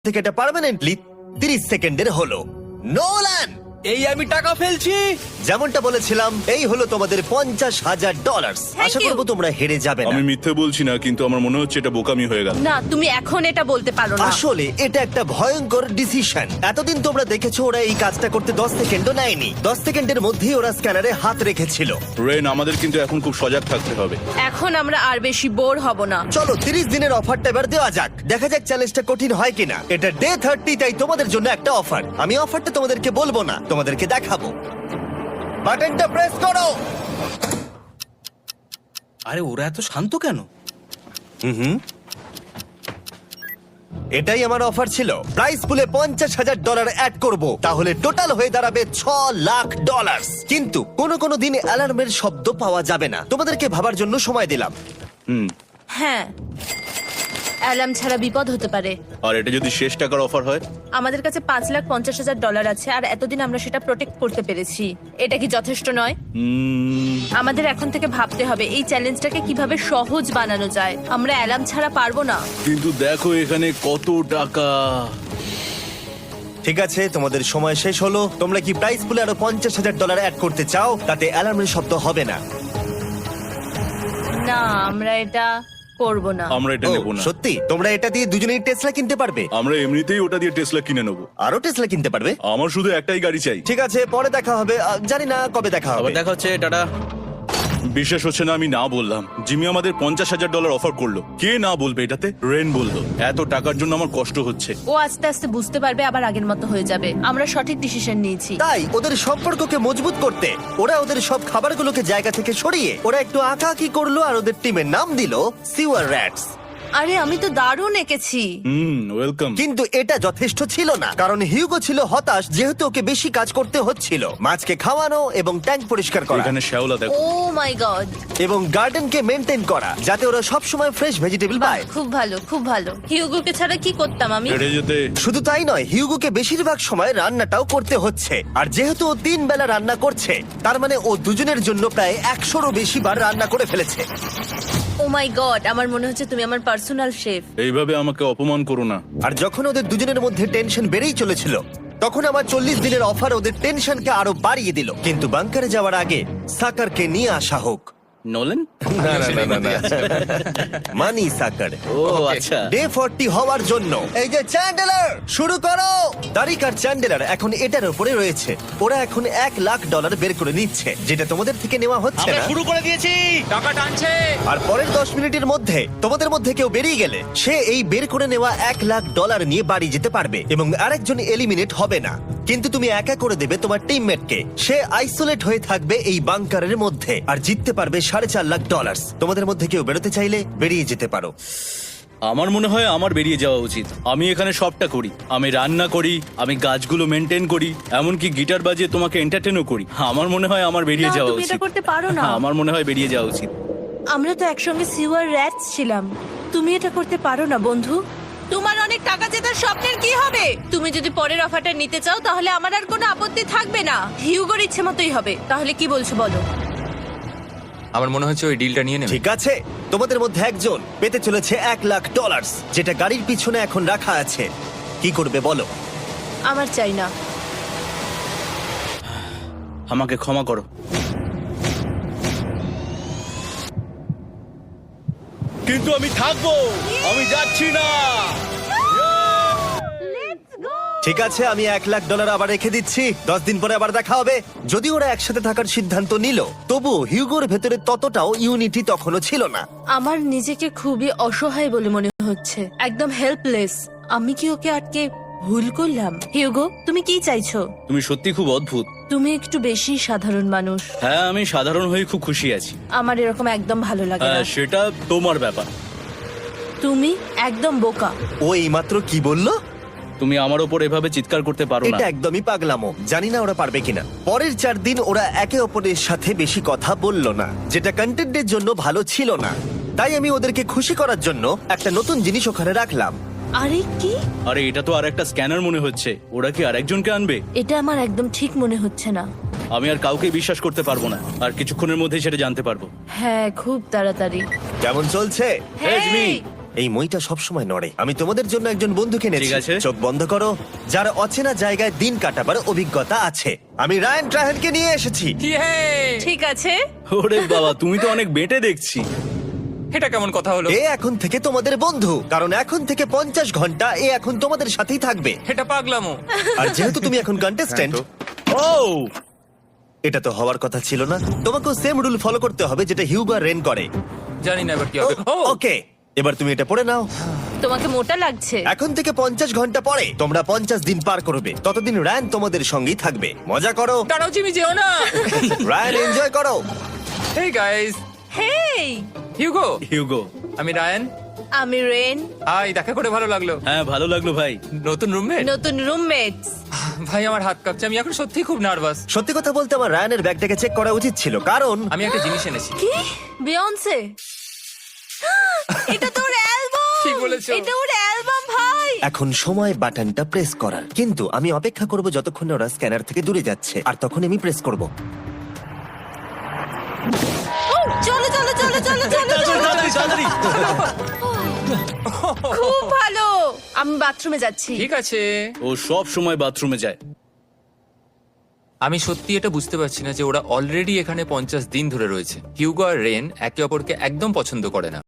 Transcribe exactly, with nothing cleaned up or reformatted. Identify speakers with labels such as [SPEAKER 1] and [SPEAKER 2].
[SPEAKER 1] থেকে এটা পার্মানেন্টলি তিরিশ সেকেন্ডের হলো। নোলান,
[SPEAKER 2] এই আমি টাকা ফেলছি।
[SPEAKER 1] যেমনটা বলেছিলাম, এই হলো তোমাদের পঞ্চাশ হাজার ডলার।
[SPEAKER 3] Thank
[SPEAKER 1] Asha
[SPEAKER 3] you.
[SPEAKER 1] করবো তোমরা হেরে যাবে না।
[SPEAKER 4] আমি মিথ্যে বলছি না, কিন্তু আমার মনে হচ্ছে এটা বোকামি হয়ে গেল।
[SPEAKER 3] না, তুমি এখন এটা বলতে পারো না।
[SPEAKER 1] আসলে এটা একটা ভয়ঙ্কর ডিসিশন। এতদিন তোমরা দেখেছো ওরা এই কাজটা করতে দশ সেকেন্ডও নেয়নি। দশ সেকেন্ডের মধ্যেই ওরা স্ক্যানারে হাত রেখেছিল।
[SPEAKER 4] রেন, আমাদের কিন্তু এখন খুব সজাগ থাকতে হবে।
[SPEAKER 3] এখন আমরা আর বেশি বোর হব না।
[SPEAKER 1] চলো তিরিশ দিনের অফারটা এবার দেওয়া যাক, দেখা যাক চ্যালেঞ্জটা কঠিন হয় কিনা। এটা ডে থার্টি, তাই তোমাদের জন্য একটা অফার। আমি অফারটা তোমাদেরকে বলবো না, তোমাদেরকে দেখাবো। বাটনটা প্রেস করো।
[SPEAKER 2] আরে ওরা এত শান্ত কেন?
[SPEAKER 1] হুম এটাই আমার অফার ছিল। প্রাইস পুলে পঞ্চাশ হাজার ডলার অ্যাড করব, তাহলে টোটাল হয়ে দাঁড়াবে ছ লাখ ডলার। কিন্তু কোনো কোনো দিন অ্যালার্মের শব্দ পাওয়া যাবে না। তোমাদেরকে ভাবার জন্য সময় দিলাম।
[SPEAKER 4] হুম।
[SPEAKER 3] হ্যাঁ, অ্যালার্ম ছাড়া বিপদ হতে পারে।
[SPEAKER 4] আর এটা যদি শেষ টাকার অফার হয়?
[SPEAKER 3] আমাদের কাছে পাঁচ লাখ পঞ্চাশ হাজার ডলার আছে, আর এতদিন আমরা সেটা প্রোটেক্ট করতে পেরেছি। এটা কি যথেষ্ট নয়?
[SPEAKER 4] উম,
[SPEAKER 3] আমাদের এখন থেকে ভাবতে হবে এই চ্যালেঞ্জটাকে কিভাবে সহজ বানানো যায়। আমরা অ্যালার্ম ছাড়া পারবো না।
[SPEAKER 4] কিন্তু দেখো এখানে কত টাকা।
[SPEAKER 1] ঠিক আছে, তোমাদের সময় শেষ হলো। তোমরা কি প্রাইস পুলে আরো পঞ্চাশ হাজার ডলার অ্যাড করতে চাও? তাতে অ্যালার্মের শব্দ হবে না।
[SPEAKER 3] না, আমরা এটা করব না।
[SPEAKER 4] আমরা এটা
[SPEAKER 1] ও,
[SPEAKER 4] নেব না।
[SPEAKER 1] সত্যি? তোমরা এটা দিয়ে দুজনেই টেসলা কিনতে পারবে?
[SPEAKER 4] আমরা এমনিতেই ওটা দিয়ে টেসলা কিনে নেবো।
[SPEAKER 1] আরো টেসলা কিনতে পারবে?
[SPEAKER 4] আমার শুধু একটাই গাড়ি চাই।
[SPEAKER 1] ঠিক আছে, পরে দেখা হবে। আহ, জানি না কবে দেখা হবে।
[SPEAKER 2] আবার দেখা হচ্ছে, টাটা।
[SPEAKER 4] বিশ্বাস হচ্ছে না আমি না বললাম। জিমি আমাদের পঞ্চাশ হাজার ডলার অফার করলো। কে না বলবে এটাতে? রেন বললো। এত টাকার জন্য আমার কষ্ট হচ্ছে।
[SPEAKER 3] ও আস্তে আস্তে বুঝতে পারবে, আবার আগের মতো হয়ে যাবে। আমরা সঠিক ডিসিশন নিয়েছি।
[SPEAKER 1] তাই ওদের সম্পর্ককে মজবুত করতে ওরা ওদের সব খাবারগুলোকে জায়গা থেকে সরিয়ে ওরা একটু আঁকাআঁকি করলো, আর ওদের টিমের নাম দিল সিওয়ার র্যাটস।
[SPEAKER 3] আরে আমি তো দারুণ এঁকেছি।
[SPEAKER 4] হুম, ওয়েলকাম।
[SPEAKER 1] কিন্তু এটা যথেষ্ট ছিল না, কারণ হিউগো ছিল হতাশ, যেহেতু ওকে বেশি কাজ করতে হচ্ছিল। মাছকে খাওয়ানো এবং ট্যাঙ্ক পরিষ্কার করা
[SPEAKER 4] এখানে শ্যাওলা দেখো।
[SPEAKER 3] ও মাই গড,
[SPEAKER 1] এবং গার্ডেনকে মেনটেন করা, যাতে ওরা সব সময় ফ্রেশ ভেজিটেবল পায়।
[SPEAKER 3] খুব ভালো, খুব ভালো। হিউগোকে ছাড়া কি করতাম আমি?
[SPEAKER 4] হেরে যেতে।
[SPEAKER 1] শুধু তাই নয়, হিউগোকে বেশিরভাগ সময় রান্নাটাও করতে হচ্ছে। আর যেহেতু ও তিন বেলা রান্না করছে, তার মানে ও দুজনের জন্য প্রায় একশোরও বেশি বার রান্না করে ফেলেছে।
[SPEAKER 3] ও মাই গড, আমার মনে হচ্ছে তুমি আমার পার্সোনাল শেফ।
[SPEAKER 4] এইভাবে আমাকে অপমান করো না।
[SPEAKER 1] আর যখন ওদের দুজনের মধ্যে টেনশন বেড়েই চলেছিল, তখন আমার চল্লিশ দিনের অফার ওদের টেনশনকে আরো বাড়িয়ে দিল। কিন্তু বাংকারে যাওয়ার আগে সাকারকে নিয়ে আসা হোক।
[SPEAKER 2] নোলেন?
[SPEAKER 1] না, না, না, না, না। মানি সাকার।
[SPEAKER 2] ও আচ্ছা।
[SPEAKER 1] ডে ফর্টি হওয়ার জন্য এই যে চ্যান্ডেলার, শুরু করো। তারিক আর চ্যান্ডেলার এখন এটার উপরে রয়েছে। ওরা এখন এক লাখ ডলার বের করে নিচ্ছে, যেটা তোমাদের থেকে নেওয়া হচ্ছে
[SPEAKER 2] আমরা
[SPEAKER 1] না।
[SPEAKER 2] শুরু করে দিয়েছি, টাকা টানছে।
[SPEAKER 1] আর পরের দশ মিনিটের মধ্যে তোমাদের মধ্যে কেউ বেরিয়ে গেলে সে এই বের করে নেওয়া এক লাখ ডলার নিয়ে বাড়ি যেতে পারবে, এবং আরেকজন এলিমিনেট হবে না। কিন্তু তুমি একা করে দেবে তোমার টিমমেটকে। সে আইসোলেট হয়ে থাকবে এই বাংকারের মধ্যে, আর জিততে পারবে সাড়ে চার লাখ ডলার। তোমাদের মধ্যে কেউ বেরোতে চাইলে বেরিয়ে যেতে পারো।
[SPEAKER 2] আমার মনে হয় আমার বেরিয়ে যাওয়া উচিত। আমি এখানে সবটা করি। আমি রান্না করি, আমি গাছগুলো মেনটেন করি, এমনকি গিটার বাজিয়ে তোমাকে এন্টারটেনও করি। আমার মনে হয় আমার বেরিয়ে
[SPEAKER 3] না,
[SPEAKER 2] যাওয়া
[SPEAKER 3] তুমি এটা
[SPEAKER 2] উচিত।
[SPEAKER 3] করতে পারো না।
[SPEAKER 2] আমার মনে হয় বেরিয়ে যাওয়া উচিত।
[SPEAKER 3] আমরা তো একসঙ্গে সিওয়ার র্যাটস ছিলাম। তুমি এটা করতে পারো না বন্ধু। তোমার অনেক টাকা জেতার স্বপ্নের কি হবে? তুমি যদি পরের অফারটা নিতে চাও, তাহলে আমার আর কোনো আপত্তি থাকবে না। হিউগোর ইচ্ছে মতোই হবে। তাহলে কি বলছো বলো?
[SPEAKER 5] আমার মনে হচ্ছে ওই ডিলটা নিয়ে নেবে।
[SPEAKER 1] ঠিক আছে, তোমাদের মধ্যে একজন পেতে চলেছে এক লাখ ডলার, যেটা গাড়ির পিছনে এখন রাখা আছে। কি করবে বলো?
[SPEAKER 3] আমার চাই না।
[SPEAKER 2] আমাকে ক্ষমা করো। কিন্তু আমি থাকবো, আমি যাচ্ছি না।
[SPEAKER 1] ঠিক আছে, আমি এক লাখ ডলার আবার রেখে দিচ্ছি। দশ দিন পরে আবার দেখা হবে। যদি ওরা একসাথে থাকার সিদ্ধান্ত নিল, তবু হিউগোর ভেতরে ততটাও ইউনিটি তখনও ছিল না।
[SPEAKER 3] আমার নিজেকে খুবই অসহায় বলে মনে হচ্ছে, একদম হেল্পলেস। আমি কি ওকে আটকে ভুল করলাম? হিউগো, তুমি কি চাইছো?
[SPEAKER 2] তুমি সত্যি খুব অদ্ভুত।
[SPEAKER 3] তুমি একটু বেশি সাধারণ মানুষ।
[SPEAKER 2] হ্যাঁ, আমি সাধারণ হয়ে খুব খুশি আছি।
[SPEAKER 3] আমার এরকম একদম ভালো লাগে না।
[SPEAKER 2] হ্যাঁ, সেটা তোমার ব্যাপার।
[SPEAKER 3] তুমি একদম বোকা।
[SPEAKER 1] ও এইমাত্র কি বললো?
[SPEAKER 2] তুমি আমার ওপর এভাবে চিৎকার করতে পারো না।
[SPEAKER 1] এটা একদমই পাগলামো। জানি না ওরা পারবে কিনা। পরের চার দিন ওরা একে অপরের সাথে বেশি কথা বলল না, যেটা কন্টেন্টের জন্য ভালো ছিল না। তাই আমি ওদেরকে খুশি করার জন্য একটা নতুন জিনিস ওখানে রাখলাম।
[SPEAKER 3] আরে কি?
[SPEAKER 2] আরে এটা তো আর একটা স্ক্যানার মনে হচ্ছে। ওরা কি আরেকজনকে আনবে?
[SPEAKER 3] এটা আমার একদম ঠিক মনে হচ্ছে না।
[SPEAKER 2] আমি আর কাউকে বিশ্বাস করতে পারবো না। আর কিছুক্ষণের মধ্যেই সেটা জানতে পারবো।
[SPEAKER 3] হ্যাঁ, খুব তাড়াতাড়ি।
[SPEAKER 1] কেমন চলছে?
[SPEAKER 2] Hey, Jimmy!
[SPEAKER 1] এই মইটা সবসময় নড়ে। আমি তোমাদের জন্য একজন বন্ধুকে এনেছি।
[SPEAKER 2] ঠিক আছে।
[SPEAKER 1] চোখ বন্ধ করো, যার অচেনা জায়গায় দিন কাটাবার অভিজ্ঞতা আছে। আমি রায়ান ট্রাহেনকে নিয়ে এসেছি।
[SPEAKER 5] ইয়ে!
[SPEAKER 3] ঠিক আছে।
[SPEAKER 2] ওরে বাবা, তুমি তো অনেক বেটে দেখছি।
[SPEAKER 5] এটা কেমন কথা হলো?
[SPEAKER 1] এ এখন থেকে তোমাদের বন্ধু, কারণ এখন থেকে পঞ্চাশ ঘন্টা এ এখন তোমাদের সাথেই থাকবে।
[SPEAKER 5] এটা পাগলামো।
[SPEAKER 1] আর যেহেতু তুমি এখন কন্টেস্ট্যান্ট,
[SPEAKER 2] ও
[SPEAKER 1] এটা তো হওয়ার কথা ছিল না। তোমাকেও সেম রুল ফলো করতে হবে যেটা হিউগো আর রেন করে।
[SPEAKER 5] জানি না এবার কি হবে। ও
[SPEAKER 1] ওকে, এবার তুমি এটা পড়ে নাও।
[SPEAKER 3] তোমাকে মোটা লাগছে।
[SPEAKER 1] এখন থেকে পঞ্চাশ ঘন্টা পরে তোমরা পঞ্চাশ দিন পার করবে। ততদিন রায়ান তোমাদের সঙ্গেই থাকবে। মজা করো,
[SPEAKER 5] দাঁড়াও জিমি, যেও না।
[SPEAKER 1] রায়ান এনজয় করো।
[SPEAKER 5] Hey guys,
[SPEAKER 3] hey,
[SPEAKER 5] Hugo.
[SPEAKER 2] Hugo.
[SPEAKER 5] আমি রায়ান।
[SPEAKER 3] আমি রেন।
[SPEAKER 5] হাই, দেখা করে ভালো লাগলো।
[SPEAKER 2] হ্যাঁ, ভালো লাগলো ভাই।
[SPEAKER 5] নতুন রুমমেট।
[SPEAKER 3] নতুন রুমমেটস।
[SPEAKER 5] ভাই আমার হাত কাঁপছে, আমি এখন সত্যিই খুব নার্ভাস।
[SPEAKER 1] সত্যি কথা বলতে আমার রায়ানের ব্যাগটাকে চেক করা উচিত ছিল, কারণ
[SPEAKER 5] আমি একটা জিনিস এনেছি।
[SPEAKER 3] কি? বিয়ন্সে? এটা তো ওর অ্যালবাম।
[SPEAKER 5] ঠিক বলেছো।
[SPEAKER 3] এটা ওর অ্যালবাম ভাই।
[SPEAKER 1] এখন সময় বাটনটা প্রেস করার। কিন্তু আমি অপেক্ষা করব যতক্ষণ না ওরা স্ক্যানার থেকে দূরে যাচ্ছে, আর তখন আমি প্রেস করব।
[SPEAKER 3] ও, চলো চলো চলো চলো চলো চলো।
[SPEAKER 2] তাড়াতাড়ি, তাড়াতাড়ি।
[SPEAKER 3] খুব ভালো। আমি বাথরুমে যাচ্ছি।
[SPEAKER 5] ঠিক আছে।
[SPEAKER 2] ও সব সময় বাথরুমে যায়।
[SPEAKER 5] আমি সত্যি এটা বুঝতে পারছি না যে ওরা অলরেডি এখানে পঞ্চাশ দিন ধরে রয়েছে। হিউগো আর রেন একে অপরকে একদম পছন্দ করে না।